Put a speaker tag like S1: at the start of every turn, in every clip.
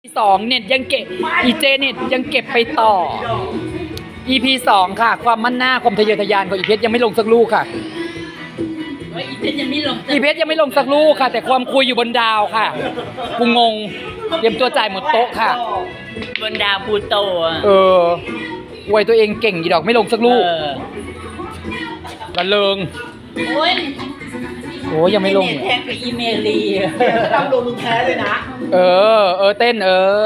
S1: 2เน็ตยังเก็บอีเจเน็ตยังเก็บไปต่อ EP 2ค่ะความมั่นหน้าความทะเยอทะยานของอีเพชรยังไม่ลงสักลูกค่ะ
S2: อีเพชรยังไม่ลง
S1: อีเพชรยังไม่ลงสักลูกค่ะแต่ความคุยอยู่บนดาวค่ะกูงงเตรียมตัวจ่ายหมดโต๊ะค่ะ
S2: บนดาวพูโต
S1: อวยตัวเองเก่งอีดอกไม่ลงสักลูกระเริงโอ้ยยังไม่ลง
S2: แทงกับอีเมลี
S3: ดำลงมึงแพ้เลยนะ
S1: เต้น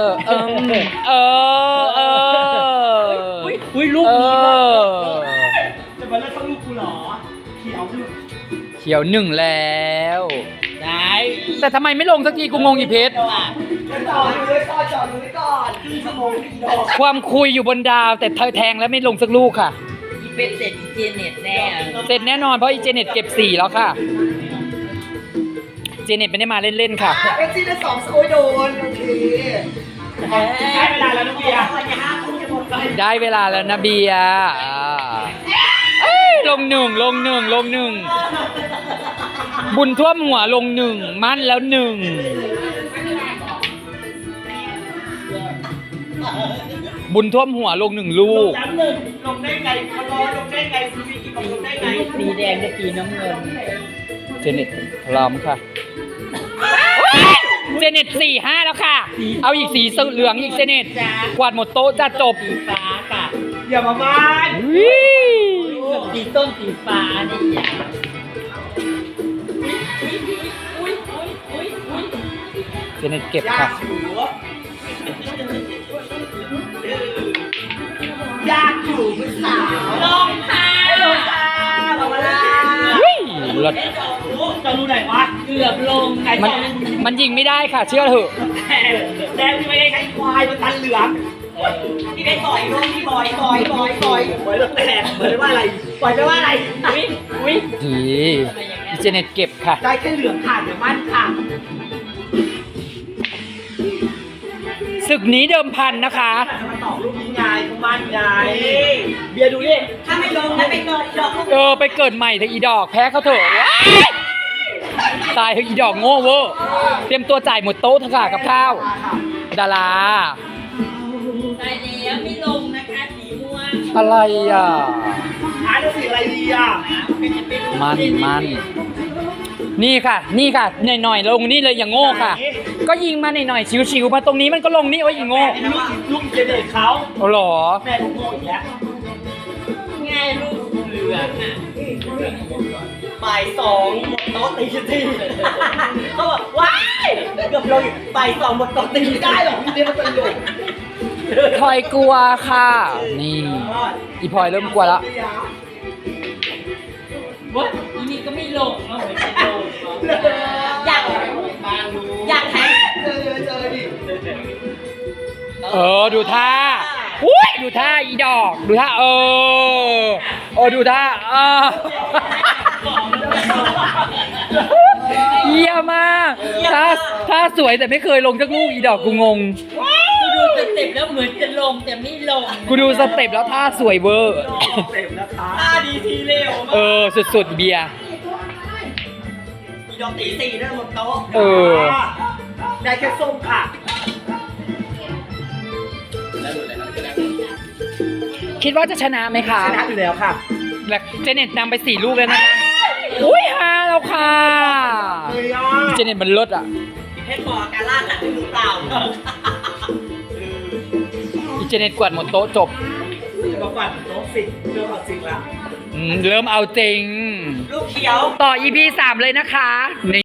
S2: อุ้ยลูกนี้
S3: จะมาเล่นเข้าลูกกูหรอ
S1: เขียวหนึ่งแล้ว
S2: ได้
S1: แต่ทำไมไม่ลงสักทีกูงงอีเพชร
S3: จอดอยู่เลยจอดอยู่เลยก่อนครึ่งชั่วโมง
S1: ความคุยอยู่บนดาวแต่เธอแทงแล้วไม่ลงสักลูกค่ะ
S2: อีเพชรเสร็จอีเจเน็ตแน่
S1: เสร็จแน่นอนเพราะอีเจเน็ตเก็บ4แล้วค่ะเจเน็ตไม่ได้มาเล่นๆค่ะ
S3: เอ็กซี่ได้2โอ้ยโดนโอเคได้เวลาแล้วนะเบียร์
S1: ได้เวลาแล้วนะเบียร์ลงหนึ่งบุญท่วมหัวลง1มั่นแล้ว1บุญท่วมหัวลง1ลูก
S3: ลงได้ไงลงได้ไงลงได้ไง
S2: สีแดงกับสีน้ำเงิน
S1: เจเน็ตพร้อมค่ะเจเน็ต4-5แล้วค่ะเอาอีกสีเหลืองอีกเจเน็ตกวาดหมดโต๊ะจะจบ
S2: สีฟ้าค่ะ
S3: อย่ามาบ้าน
S2: สีต้นสีฟ้านี่อย่า
S1: เจเน็ตเก็บค่ะ
S3: ยากอยู่คุณสาว
S2: ลงค่ะ
S3: บอกมาแล้ว
S1: รถ
S3: จะรู้ไหนวะ
S2: เกือบลง
S1: มันยิงไม่ได้ค่ะเชื่อเถอะ
S3: แดงที่ไม่ได้ใช้ควายมันตันเหลืองที่ได้ต่อยลงที่บอยแล้วแตกเหมือนว่าอะไรปล่อยไปว่าอะไร
S1: ดีเจเน็ตเก็บค่ะ
S3: ได้แค่เหลืองค่ะเดี๋ยวมั่นค่ะ
S1: ศึกนี้เดิมพันนะคะ
S3: มาตอบลูกนี้ไงเขามั่นไงเบียร์ดูดิถ้าไม่ลงแล้วไปเกิดดอก
S1: ไปเกิดใหม่เถอะอีดอกแพ้เขาเถอะตายเถอะอีดอกโง่เวอร์เตรียมตัวจ่ายหมดโต๊ะเถอะค่ะกับข้าวดารา
S2: ตายแล้วไม่ลงนะคะสีม่วง
S1: อะไร
S3: จะสีอะไรดี
S1: มันนี่ค่ะหน่อยลงนี่เลยอย่างโง่ค่ะก็ยิงมาหน่อยชิวๆมาตรงนี้มันก็ลงนี่โอ้ยอย่างโง่
S3: ลูกเจเด็กเขา
S1: หรอ
S3: แม่ลูกโง่อีกแล้ว
S2: ง่ายลูกเหลือง
S3: บ่าย2หมดโต๊ะตีทีเขาบอกว้ายเกือบลงบ่าย2หมดโต๊ะตีได้หรอพี่เดียวมันเป็นหลุด
S1: พลอยกลัวค่ะนี่อีพลอยเริ่มกลัวแล้ว
S2: อีนี่ก็ไม่ลงเนาะไม่ลงอยากแทง
S3: เจอดิ
S1: ดูท่าดูท่าอีดอกดูท่าดูท่าเยี่ยมมากท่าสวยแต่ไม่เคยลงสักลูกอีดอกกูงง
S2: กูดูสเต็ปแล้วเหมือนจะลงแต่ไม่ลง
S1: กูดูสเต็ปแล้วท่าสวยเวอร์
S3: ท่าดีทีเร็ว
S1: สุดๆเบียร์
S3: อีดอกตี4ได้หมดโต๊ะได้แค่ส้มค่ะ
S1: คิดว่าจะชนะไหมคะ
S3: ชนะอยู่แล้วค่ะ
S1: และเจเน็ตนำไป4ลูกแล้วนะคะ5แล้วค่ะเจเน็ตมันเลิศ
S3: เพชรบอกการล่าสัตว์หรือเปล่า
S1: เจเน็ตกวาดหมดโต๊ะจบ
S3: มากวาดโต๊ะสิเริ่มเอาจริงแล้ว
S1: เริ่มเอาจริง
S3: ลูกเขียว
S1: ต่อ EP 3เลยนะคะ